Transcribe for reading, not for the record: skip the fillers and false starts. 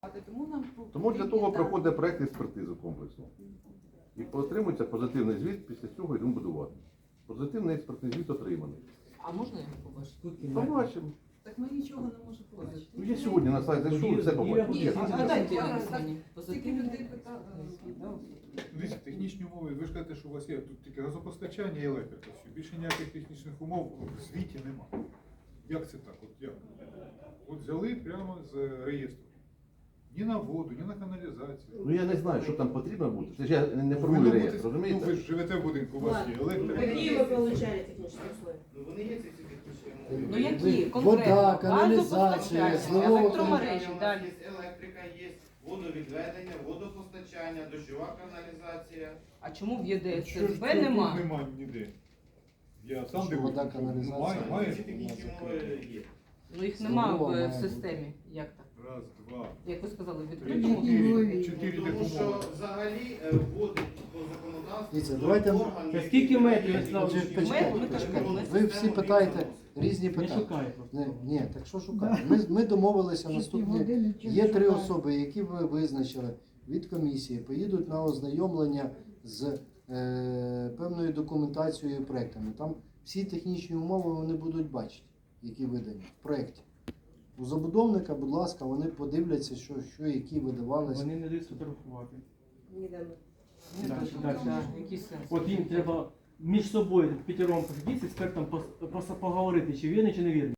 Тому для того проходить проєкт експертизи комплексу. І отримується позитивний звіт, після цього йдемо будувати. Позитивний експертний звіт отриманий. А можна його побачити? Побачимо. Так ми нічого не можемо побачити. Ну, я сьогодні на сайт зайшов і все побачив. Ні, а дайте мені стільки людей питали. Дивіться, технічні умови, ви ж кажете, що у вас є тут тільки газопостачання і електрика. Все. Більше ніяких технічних умов в звіті нема. Як це так? От як? От взяли прямо з реєстру. Ні на воду, ні на каналізацію. Ну я не знаю, що там потрібно бути. Це ж я не формую Повинно реєстр, бути- розумієте? Ну, ви ж живете в будинку, у вас є електрика. Какие вы получали технические условия? Ну вони є ці технічні умови. Ну які? Вода, Конкретно? каналізація, Газопостачання, зливова електромережі, У нас далі. є електрика, є водовідведення, водопостачання, дощова каналізація. А чому в ЄДС Що ж СБ тут нема? Нема ніде. Я сам Що дивлюсь. вода, каналізація? Має. Ці технічні умови є. Ну їх нема Знову має в бути. системі. Як так? Раз, два, Як ви сказали, в три, відкритому? чотири Тому таких що умови. взагалі вводить по законодавству. Дивіться, той давайте- орган, Та який скільки метрів, передає Ярослав? технічні Почекайте, умови, почекайте. контрольну Ви всі систему питаєте відносин. різні Не питання. шукай просто. Ні, так що шукати? Ми домовилися наступні. Є 3 особи, які ви визначили від комісії, поїдуть на ознайомлення з певною документацією і проектами. Там всі технічні умови вони будуть бачити, які видані в проєкті. У забудовника, будь ласка, вони подивляться, що які видавалися. Вони не дають сфотографувати. Не дам. Дальше. Який сенс? От їм треба між собою п'ятером посидіти з експертом поговорити, чи вірний, чи не вірний.